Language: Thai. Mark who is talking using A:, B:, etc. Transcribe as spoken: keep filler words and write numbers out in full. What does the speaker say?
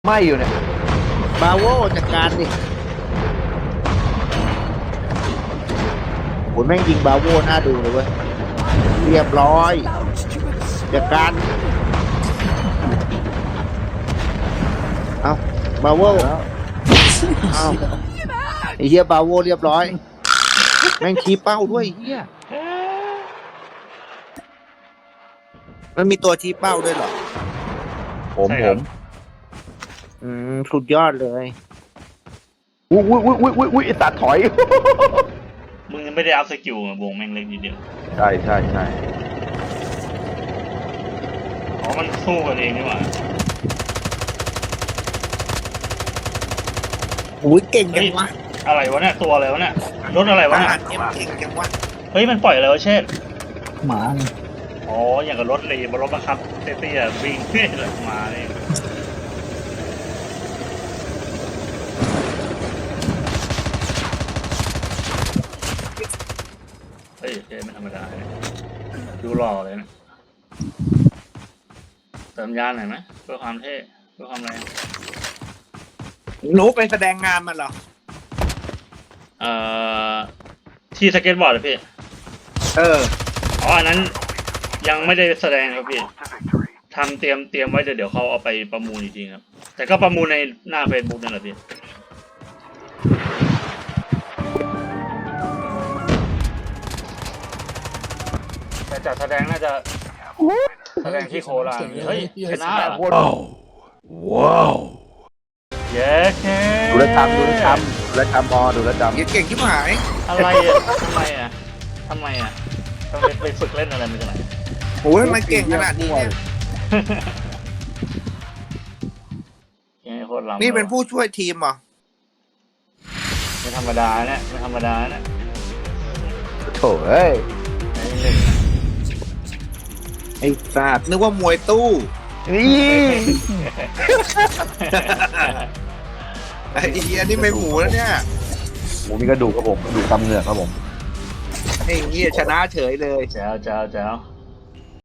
A: ไม่อยู่เนี่ย
B: บาโวจัดการดิโหแม่งยิงบาโวน่าดูเลยเว้ยเรียบร้อยจัดการเอาบาโว
A: แล้ว
B: เอาไอ้เหี้ยบาโวเรียบร้อยแม่งชี้เป้าด้วยไอ้เหี้ยมันมีตัวชี้เป้าด้วยเหรอ
A: ผม
C: ใช่
A: ผ
C: ครับ
A: ม
B: อืมสุดยอดเลย
A: อุ้ยอุ้ยอุ้ยอุ้ยอุ้ยอุ้ยไอ้สัตว์ถอย
C: มึงไม่ได้อัพสกิลอะวงแม่งเล็กนิดเดียว
A: ใช่ใช่ใช่
C: อ๋อมันสู้กันเองนี่หว่า
B: โอ้ยเก่งจังวะ
C: อะไรวะเนี่ยตัวอะไรวะเนี่ยรถอะไร
B: ท
C: วะเนี่
B: หาย รเอ็มเก่งจังวะ
C: เฮ้ยมันปล่อยอะไรวะเชษ
D: หมา
C: อ๋ออย่างกับรถเลยบนรถบังคับเตี้ยๆวิ่งเฮ้ยเลยมาเนี่ยเฮ้ยเชษไม่ธรรมดาเนี่ยดูหล่อเลยนะเติมยานหน่อยไหมเพื่อความเท่เพื่อความแรง
B: หนูไปแสดงงานมาเหรอ
C: เอ่อที่สเก็ตบอร์ดเหรอพี่
B: เออ
C: อ๋ออันนั้นยังไม่ได้แสดงครับพี่ทำเตรียมเตรียมไว้เดี๋ยวเดี๋ยวเขาเอาไปประมูลจริงๆครับ แต่ก็ประมูลในหน้า Facebook นั่นแหละพี่แต่จัดแสดงน่าจะแสดงที่โคราชเฮ้ยชนะเหรอ
A: ว้าวว้าว
C: เย้แค่
A: ดูแลวจำดูแลวจำดูแลวจำพอดูแลวจำ
B: เหี้ยเก่งที่หาย
C: อะไรอ่ะทำไมอ่ะทำไมอ่ะต้องไปไปฝึกเล่นอะไรมาจากไหน
B: โอ้ยมันเก่งขนาดนี้เนี่ย
C: เย้โคตรล้ำ
B: นี่เป็นผู้ช่วยทีมเหรอ
C: ไม่ธรรมดาเนี่ยไม่ธรรมดาเนี่ย
A: โถ่เอ้ย
C: ไอ้หนึ่ง
B: ไอ้สัตว์นึกว่ามวยตู้
A: นี่
B: ไอ้เหี้ยนี่ไม่หมูแล้วเนี่ย
A: หมูมีกระดูกครับผมกระดูกตำเหงือกครับผม
B: ไอ้เหี้ยชนะเฉยเลย
C: แจ๋วแจ๋วแจ๋ว